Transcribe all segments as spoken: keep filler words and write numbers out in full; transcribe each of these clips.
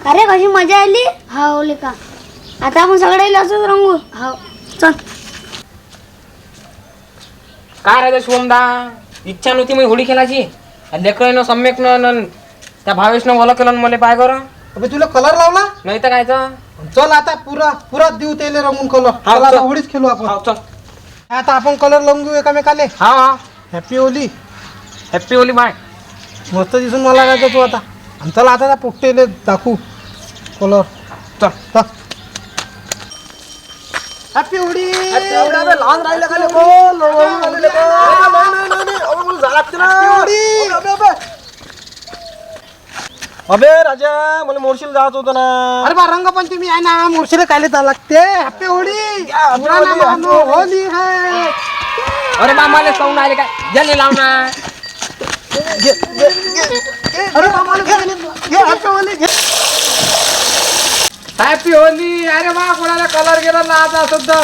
अरे कशी मजा आली. हा ओले का आता आपण सगळे असंच रंगू. हा चल. काय राजा शिवमदा इच्छा नव्हती मी होळी खेळायची. लेकरानं सम्यक न त्या भावेशनं मला केलं मला पाय कर. अबे तुला कलर लावला नाही तर कायचं. चल आता पुरा पुरा देऊ त्याला रंगून कलर. हा, चल आता चल. होळीच खेळू आपण. हा चल. आता आपण कलर लावून घेऊ एकामेकाले. हा हा happy Holi. Happy Holi bye. मस्त दिसून मला लागायचं तू आता. आणि चला आता त्या पोट्टेले दाखवू कलर. चल चल हॅपी होळी. लहान राहिले का लेको? अबे राजा मला मोर्शील जायचं होतं ना. अरे बा रंगपंचमी आहे ना मुर्शीला कायले जा लागते. हॅपी होळी. पुराना मानो होली है. अरे मामाले साऊंड आले काय जल्दी लाव ना. अरे मामाला घे घे हॅपी होली घे. हॅपी होली. अरे वा कोणाला कलर गेला ना आता सुद्धा.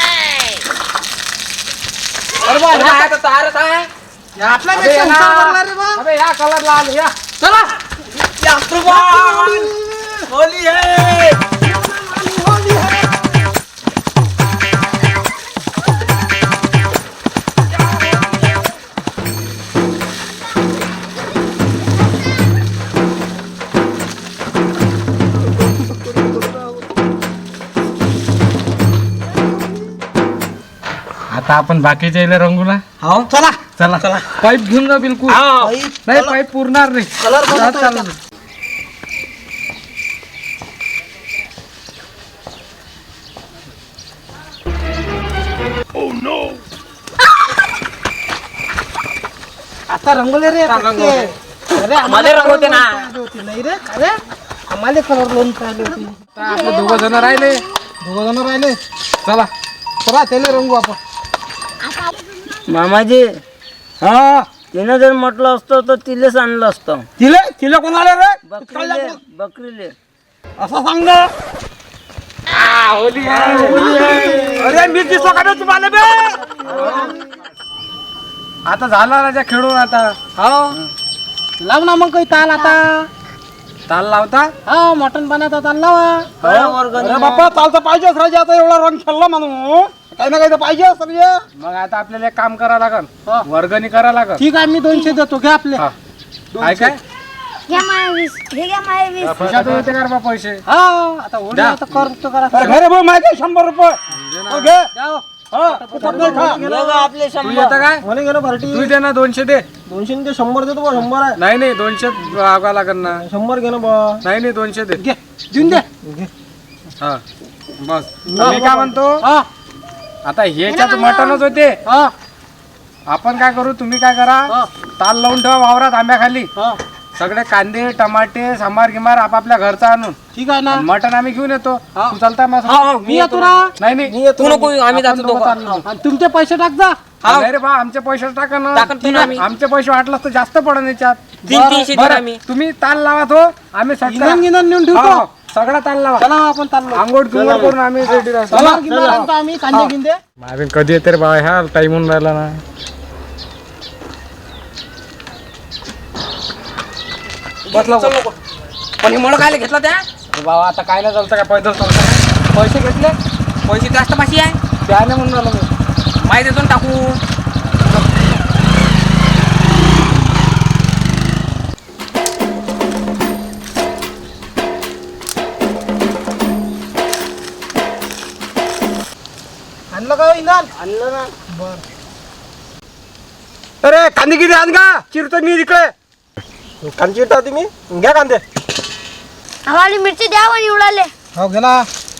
अरे वा ह्या तर तारच आहे. आपला अबे पेक्षा ना. हुशार बनला रे बा. अबे ह्या कलर लाल या चला. होली है. आता आपण बाकीच्या इले रंगू ना. हो चला चला चला पाईप घेऊन जा बिलकुल. नाही पाईप पुरणार नाही. कलर जा, चालू दे. आता रंगवले रे. रंगवले. अरे आम्हाला रंगवते ना. होती नाही रे. अरे आम्हाला कलर लोन पाहिजे होती. आता आपले दोघं जण राहिले. दोघं जण राहिले. चला चला त्याला रंगू आपण. मामाजी हा तिनं जर म्हटलं असतं तर तिलेच आणलं असतं. तिले तिला कोणाला रे बकरीले बकरीले असं सांग. होली अरे मी दिसलो का रे तुम्हाला बे. आता झाला राजा खेळून आता. हो लाव ना मग काही ताल आता. ताल लावता. हा मटण पाण्याचा ताल लावा. अरे बाप्पा चालतं पाहिजेच राजा. आता एवढा रंग खेळला म्हणून काही ना काही तर पाहिजे सर. मग आता आपल्याला एक काम करा लागल. वर्गणी करा लागल. ठीक आहे मी दोनशे देतो घ्या आपले. हा. काय काय घ्या माय वीस. हे घ्या माय वीस. खिशातून येते का रे बा पैसे. हा आता होळी द्या. आता करतो करा. अरे घे रे भाऊ माहिती शंभर रुपये. हो, घे. द्या हो. हा, फुकट नाही खा. आपले तू येतं काय मला गेलो भरटी. तू दे ना दोनशे दे. दोनशे ते शंभर देतो बा. शंभर आहे. नाही नाही दोनशे आगा लागल ना. शंभर घे ना बा. नाही नाही दोनशे दे. घे देऊन दे. हा बस. मी काय म्हणतो हा आता ह्याच्यात मटणच होते. हा आपण काय करू तुम्ही काय करा हा. ताल लावून ठेवा वावरात आंब्याखाली. हा सगळे कांदे टमाटे सांबार गिमार आपापल्या घरचा आणून. ठीक आहे ना. मटण आम्ही घेऊन येतो. हा. तू चालताय मग. मी येतो ना. नाही नाही तू नको आम्ही जातो आपण दोघं दोघं. चाललो. आणि तुमचे पैसे टाक जा. नाही रे बा आमचे पैसे टाका ना. टाकन तू ना आम्ही. आमचे पैसे वाटलं तर जास्त पडन याच्यात. तीन तीनशे देऊ बरं, आम्ही. तुम्ही ताल लावा तो आम्ही सटका- गिनन गिनन नेऊन हो, ठेवतो. हो, सगळा ताल लावा. चला आपण चाललो. आंघोळ किंगोळ करून आम्ही रेडी राहतो. चला गिनन आणतो आम्ही कांदे गिंदे. मावीन कधी येते रे बाबा ह्या टाइम होऊन राहिला ना. बसला नको. पण हे मला काय घेतला त्या अरे बाबा आता काय नाही चालतं काय पैदल चालतं. पैसे घेतले पैसे जास्त पाशी आहे. त्याने म्हणून राहिलो मी. माहिती देतो ना टाकू. आणलं का इंधन. आणलं ना. अरे कांदे किती आण का चिरतो मी इकडे. कांदे चिरता तुम्ही घ्या कांदे. आम्हाला मिरची द्या आणि उडाले. हो गेला.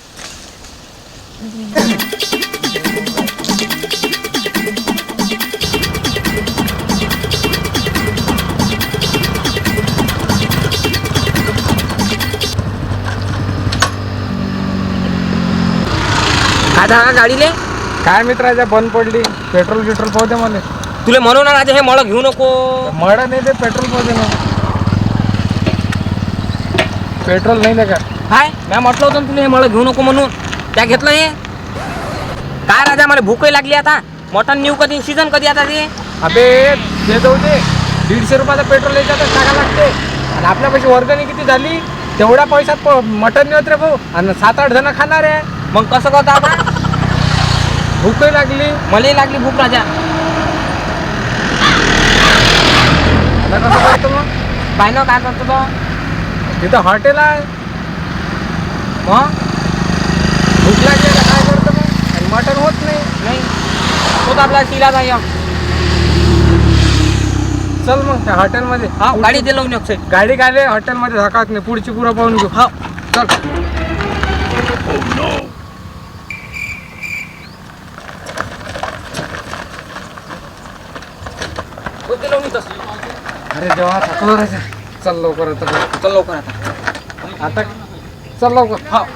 काय झाला गाडीले. काय मित्राच्या बंद पडली. पेट्रोल गिट्रोल पाहू दे मला. तुला म्हणून ना राजा हे मला घेऊ नको. मळ नाही ते पेट्रोल पाहू दे ना. पेट्रोल नाही दे का. काय मी म्हटलं होतं ना तुला हे मला घेऊ नको म्हणून. त्या घेतलं हे. काय राजा मला भूकही लागली आता. मटण नेऊ कधी सीजन कधी आता ते. अबे ते जाऊ दे. दीडशे रुपयाचं पेट्रोल याच्यातच टाका लागते. आणि आपल्या पैसे वर्गणी किती झाली तेवढ्या पैशात प- मटण नाही होत रे भाऊ. आणि सात आठ जण खाणार आहे. मग कसं करतो आता? भूकही लागली. मलाही लागली भूक राजा. आता कसं करतो मग? पाय ना काय करतो तो? तिथं हॉटेल आहे. मग भूक लागली तर काय करतो मग? आणि मटण होत नाही. नाही तोच आपला शिला जाय. चल मग त्या हॉटेलमध्ये. हा गाडी ते लावून एक साईड. गाडी काय हॉटेलमध्ये धकात नाही. पुढची पुरं पाहून घेऊ. हा चल. ते लावून येतोस. अरे देवा थकलो रे. चल लवकर आता. चल लवकर आता. आता चल लवकर. हा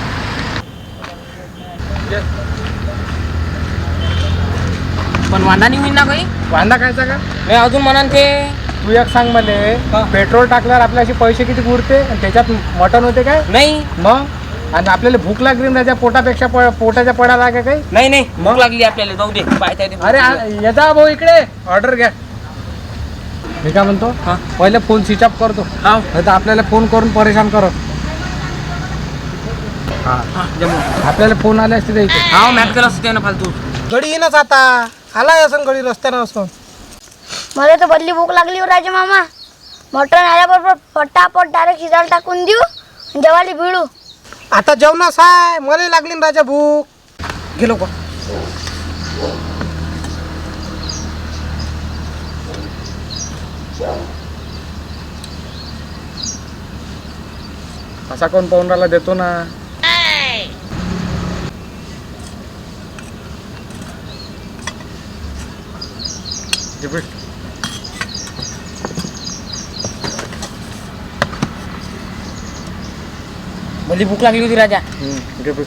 पण वांदा नाही होईन ना काही? वांदा खायचा का? नाही अजून म्हणा ते. तू एक सांग हा. मला, पेट्रोल टाकल्यावर आपल्याशी पैसे किती उरते आणि त्याच्यात मटण होते काय नाही मग? आणि आपल्याला भूक लागली ना त्याच्या पोटापेक्षा प- पोटाच्या पडा लागे काही. नाही नाही भूक लागली आपल्याला. जाऊ दे पाय त्या अरे आ- येता भाऊ इकडे ऑर्डर घ्या. मी काय म्हणतो, हा. पहिले फोन स्विच ऑफ करतो. हा नाही तर आपल्याला फोन करून परेशान करत. हा जमलं. आपल्याला फोन आले असते इथे. हा मॅच केला असते ना फालतू. गडी येईनच आता. आलाय असं गडी रस्त्यानं असं. मला तर बदली भूक लागली हो राजा मामा. मटण आल्याबरोबर पटापट डायरेक्ट शिजायला टाकून देऊ आणि जेवायला भिडू. आता जेवणास आहे. मला लागली ना राजा भूक. गेलो का? असा कोण पाहुणाला देतो ना. रिपीट. भली भूक लागली होती राजा. रिपीट.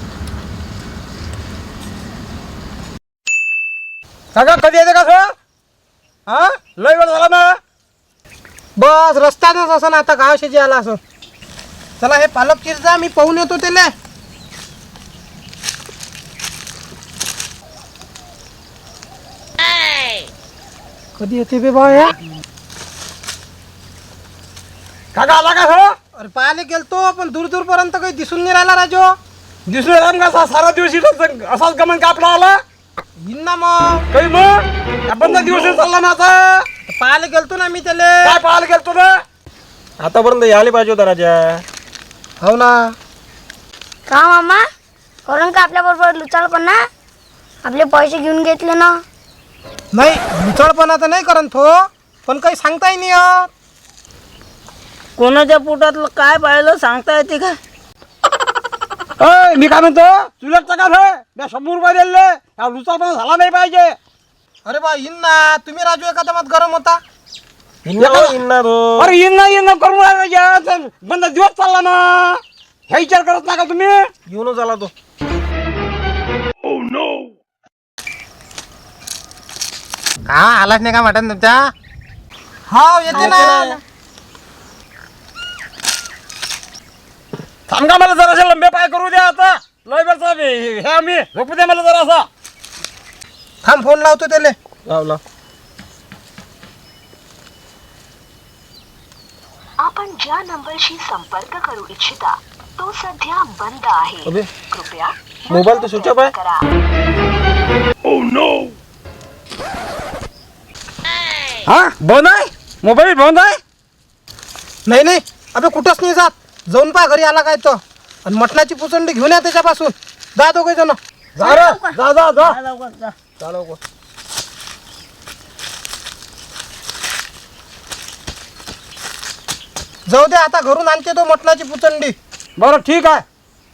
काका कधी येते का सर? हा लय वेळ झाला ना. बस रस्त्यातच असं ना आता गाव शेजी आला असं. चला हे पालक चिरजा, मी पाहून येतो त्याला. कधी येते बे बा या? काका आला का सर? अरे पाहायला गेलतो पण दूर दूर पर्यंत काही दिसून नाही राहिला राजो. दिसू येणार का सारा दिवस इथं असाच गमन का आपला आला येईन ना मग. काही मग आपण तर दिवस चालला ना आता. पाहायला गेलतो ना मी त्याला. काय पाहायला गेलतो ना? आतापर्यंत यायला पाहिजे होता राजा. हो ना. का मामा करून का आपल्या बरोबर लुचाळपणा? आपले पैसे घेऊन घेतले ना. नाही मुचळपणा तर नाही करत तो, पण काही सांगताही नाही येत. कोणाच्या पोटातलं काय पाहिलं सांगता येते का? अय, मी काय म्हणतो, तुला का मी शंभर रुपये दिले. हा लुचापणा झाला नाही पाहिजे. अरे बा येईन ना. तुम्ही राजू एका दमात गरम होता. हिंना हो, हिंना तो. अरे येणं येणं करून राहिला. बंद दिवस चालला ना. हे विचार करत ना का तुम्ही? येऊनच आला तो. का आलाच नाही का मटन तुमच्या? हा येते ना. थांबा मला जराशा लंबे पाय करू द्या आता. लय बेरचा हे आम्ही झोपू द्या मला जरासा. थांब फोन लावतो त्याला. लावला. आपण ज्या नंबरशी संपर्क करू इच्छिता तो सध्या बंद आहे. अबे कृपया मोबाईल तर स्विच ऑफ आहे. करा. हा बंद आहे मोबाईल. बंद आहे. नाही नाही अबे कुठंच नाही जात. जाऊन पा घरी आला काय तो. आणि मटणाची पुचंडी घेऊन या त्याच्यापासून. जा दोघे जण. जा रे, जा जा जा. जा लवकर जा. जा लवकर. जाऊ दे आता घरून आणते तो मटणाची पुचंडी. बरं ठीक आहे.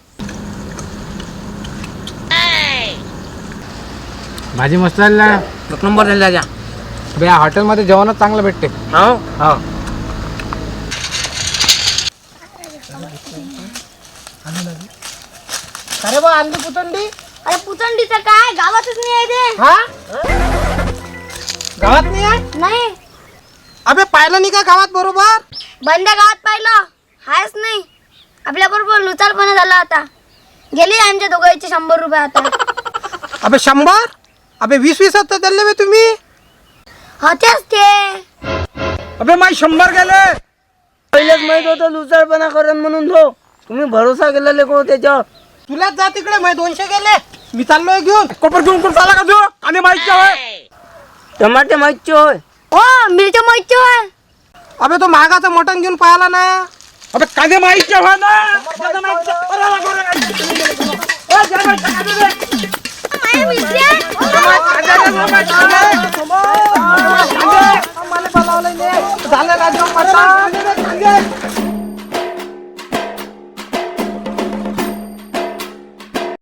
भाजी मस्त झाली ना. एक नंबर झाला राजा. बे हॉटेलमध्ये जेवणच चांगलं भेटते. हो हा अरे बा आणली पुचंडी. अरे पुचंडीचं काय गावातच नाही आहे ते. हा गावात नाही आहे. नाही अबे पाहिलं नाही का गावात बरोबर? बंद गावात पाहिलं हायच नाही. आपल्या बरोबर लुचाळपणा झाला आता. गेले आमच्या दोघांचे शंभर रुपये आता. अबे शंभर. अबे वीस वीस तर दिले बे तुम्ही. होतेच ते. अबे माय शंभर गेले. पहिलेच माहित होतं लुचारपणा करण म्हणून तो तुम्ही भरोसा केला लेको त्याच्यावर. तुलाच जा तिकडे मै दोनशे गेले मी चाललोय घेऊन. कोपर घेऊन कोण चाला का तू आणि माहिती होय टमाटे माहितचे होय. हो मिरच्या माहिती होय. अबे तो महागाचं मटण घेऊन पाहिला ना. अबे कांदे माहिती होय ना कांदे माहिती. अरे, अरे, अरे, अरे. ए, जरा बाई, कांदे दे. माझ्या मिरच्या. झालं राजा मटण.